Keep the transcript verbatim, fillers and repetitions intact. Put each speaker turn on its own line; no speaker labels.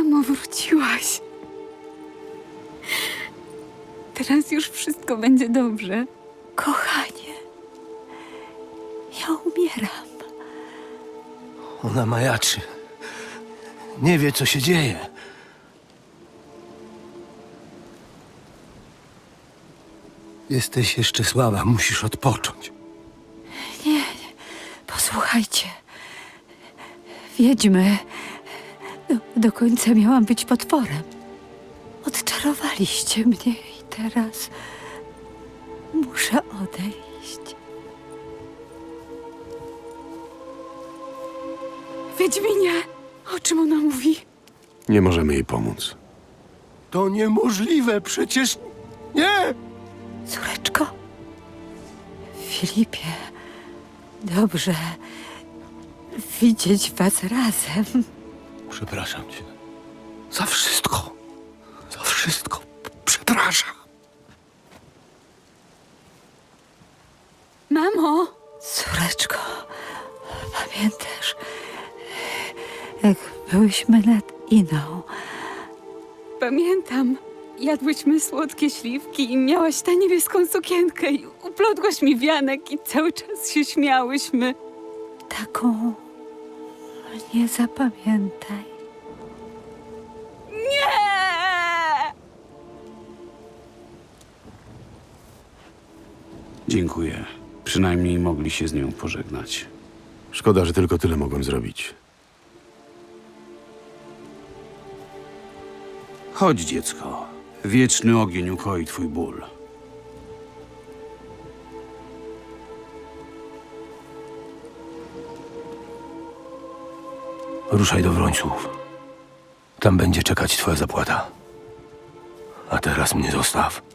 Mamo, wróciłaś. Teraz już wszystko będzie dobrze. Kochanie, ja umieram.
Ona majaczy. Nie wie, co się dzieje. Jesteś jeszcze słaba, musisz odpocząć.
Nie, nie. Posłuchajcie. Wiedźmy. Do, do końca miałam być potworem. Odczarowaliście mnie i teraz muszę odejść. Wiedźminie, o czym ona mówi?
Nie możemy jej pomóc.
To niemożliwe, przecież... Nie!
Córeczko, Filipie, dobrze widzieć was razem.
Przepraszam cię. Za wszystko. Za wszystko. Przepraszam.
Mamo! Córeczko, pamiętasz, jak byłyśmy nad Iną? Pamiętam. Jadłyśmy słodkie śliwki i miałaś tę niebieską sukienkę i uplotłaś mi wianek i cały czas się śmiałyśmy. Taką nie zapamiętaj. Nie!
Dziękuję. Przynajmniej mogli się z nią pożegnać.
Szkoda, że tylko tyle mogłem zrobić.
Chodź, dziecko. Wieczny ogień ukoi twój ból.
Ruszaj do Wrońców. Tam będzie czekać twoja zapłata. A teraz mnie zostaw.